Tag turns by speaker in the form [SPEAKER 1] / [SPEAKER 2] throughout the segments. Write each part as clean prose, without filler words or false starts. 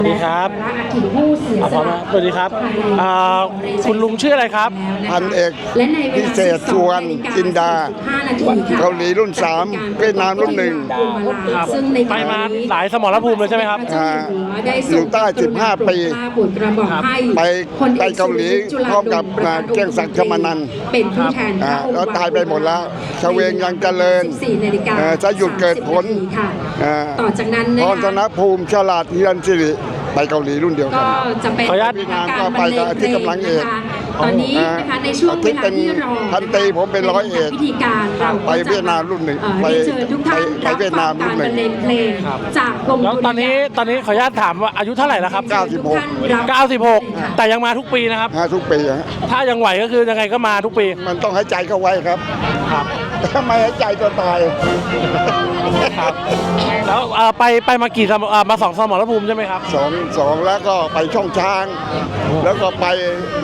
[SPEAKER 1] สวัสดีครับพร้อมสวัสดีครับคุณลุงชื่ออะไรครับ
[SPEAKER 2] พันเอกพิเศษสุวรรณจินดาเกาหลีรุ่น3เวียดนามรุ่น1
[SPEAKER 1] ครับไปมาหลายสมรภูมิเลยใช่ไหมครับ
[SPEAKER 2] อยู่ใต้15 ปีไปเกาหลีพร้อมกับเกียงศักดิ์ชมานันท์
[SPEAKER 3] เป็นผู้แทน
[SPEAKER 2] แล้วตายไปหมดแล้วชเวงยังเจริญจะหยุดเกิดผล
[SPEAKER 3] ต่อจากนั้น
[SPEAKER 2] พรธนภูมิฉลาดฮิรัญศิริไปเกาหลีรุ่นเดียวกัน
[SPEAKER 3] ก็จะเป็น
[SPEAKER 1] ขออนุญาต
[SPEAKER 2] เวียดนามก็ไปกับที่กำลังเอก
[SPEAKER 3] ตอนนี้นะคะในช่วงเวลาที่รอ
[SPEAKER 2] พันตรีผมเป็นร้อยเอก
[SPEAKER 3] พิธีการเรา
[SPEAKER 2] ไปเวียดนามรุ่น1ไป
[SPEAKER 3] เชิญทุกท่าน
[SPEAKER 2] ไปเวียดนามรุ่น1
[SPEAKER 3] บรรเลงเพลงจากกรม
[SPEAKER 1] แล้วตอนนี้ขออนุญาตถามว่าอายุเท่าไหร่แล้วครับ96แต่ยังมาทุกปีนะครับ
[SPEAKER 2] ทุกปี
[SPEAKER 1] ถ้ายังไหวก็คือยังไงก็มาทุกปี
[SPEAKER 2] มันต้องให้ใจเข้าไว้ครับทำไมให้ใจตัวตาย
[SPEAKER 1] ครับแล้วไปมากี่มา2 สมรภูมิใช่ไหมครับ
[SPEAKER 2] สองแล้วก็ไปช่องช้าง แล้วก็ไป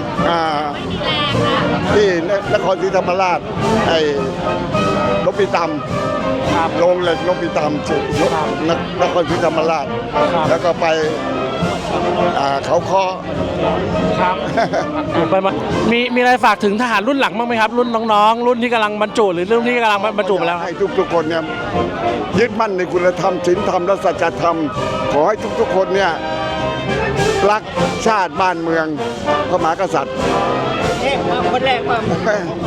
[SPEAKER 2] ที่นครศรีธรรมราชไอ้นพิตำโรงเหล็กนพิตำนครศรีธรรมราชแล้วก็ไปเขาคอ
[SPEAKER 1] ครับไปมามีอะไรฝากถึงทหารรุ่นหลังบ้างไหมครับรุ่นน้องๆรุ่นที่กำลังบรรจุหรือรุ่นที่กำลังบรรจุไปแล้ว
[SPEAKER 2] ให้ทุกคนเนี่ยยึดมั่นในคุณธรรมศีลธรรมและสัจธรรมขอให้ทุกคนเนี่ยรักชาติบ้านเมืองพระมหากษัตริย์
[SPEAKER 4] คนแรกมา